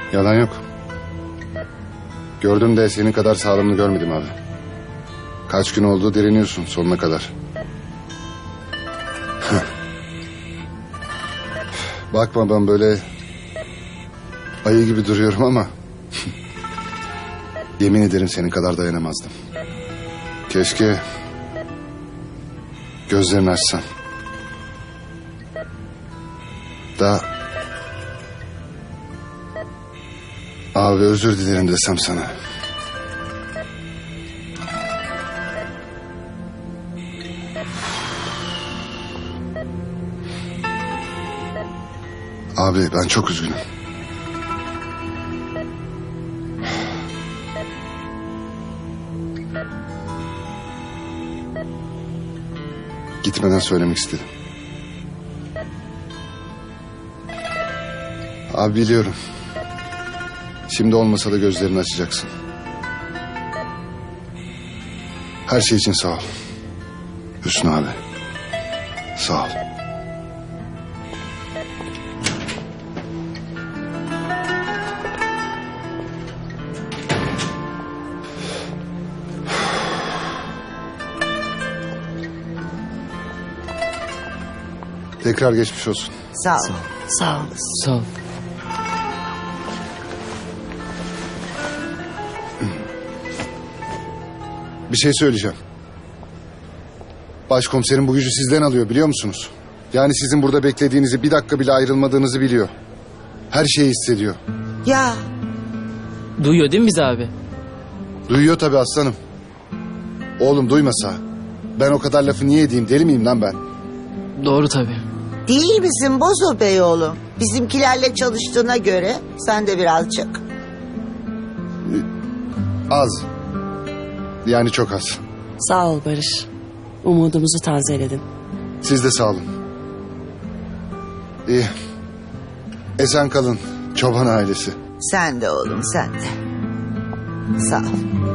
Yalan yok. Gördüm de senin kadar sağlamını görmedim abi. Kaç gün oldu direniyorsun sonuna kadar. Bakma ben böyle ayı gibi duruyorum ama yemin ederim senin kadar dayanamazdım. Keşke gözlerini açsan. Da abi özür dilerim desem sana. Abi ben çok üzgünüm. Gitmeden söylemek istedim. Abi biliyorum. Şimdi olmasa da gözlerini açacaksın. Her şey için sağ ol. Hüsnü abi. Sağ ol. Tekrar geçmiş olsun. Sağ ol. Sağ olasın. Sağ ol. Bir şey söyleyeceğim. Başkomiserim bu gücü sizden alıyor biliyor musunuz? Yani sizin burada beklediğinizi, bir dakika bile ayrılmadığınızı biliyor. Her şeyi hissediyor. Ya Duyuyor değil mi bizi abi? Duyuyor tabii aslanım. Oğlum duymasa ben o kadar lafı niye edeyim, deli miyim lan ben? Doğru tabii. değil misin Bozo Bey oğlum? Bizimkilerle çalıştığına göre sen de birazcık. Az. Yani çok az. Sağ ol Barış. Umudumuzu tazeledin. Siz de sağ olun. İyi. Esen kalın çoban ailesi. Sen de oğlum sen de. Sağ ol.